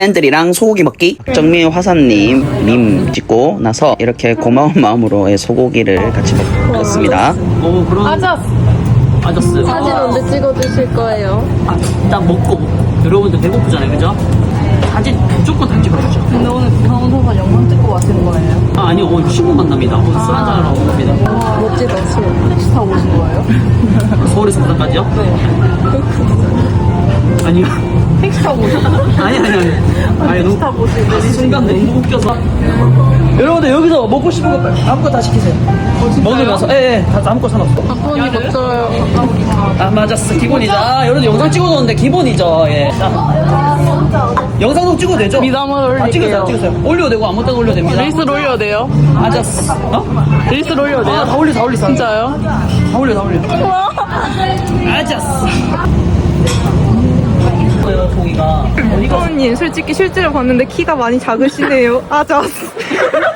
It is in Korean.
팬들이랑 소고기 먹기. 정미 화사님 밈 찍고 나서 이렇게 고마운 마음으로 소고기를 같이 먹었습니다. 그런 아저스 사진 언제 찍어주실 거예요? 일단 먹고 여러분들 배고프잖아요, 그죠? 사진 무조건 다 찍어주죠. 근데 오늘 부산 오셔서 영상 찍고 가시는 거예요? 아니요, 오늘 친구 만납니다. 오늘 술 한잔하러 온 겁니다. 와 멋지다. 택시 타고 오신 거예요? 서울에서 부산까지요? 네. 아니요. 택시 타고 오신 거예요? 아니. 택시 타고 오신 거예요? 순간 너무 웃겨서. 여러분들 여기서 먹고 싶은 거 아무거나 다 시키세요. 먹으면서 다 아무거나 상관없어. 박원이 멋져요. 아 맞았어, 기본이죠. 여러분들 영상 찍어놓는데 기본이죠. 예. 영상도 찍어도 되죠? 미담을 올릴게요. 찍으세요. 올려도 되고 아무 때나 올려도 됩니다. 릴스를 올려도 돼요? 맞았어. 릴스를 올려도 돼요? 다 올려. 진짜요? 다 올려. 맞았어. 고기가 박원님 솔직히 실제로 봤는데 키가 많이 작으시네요. 아자스.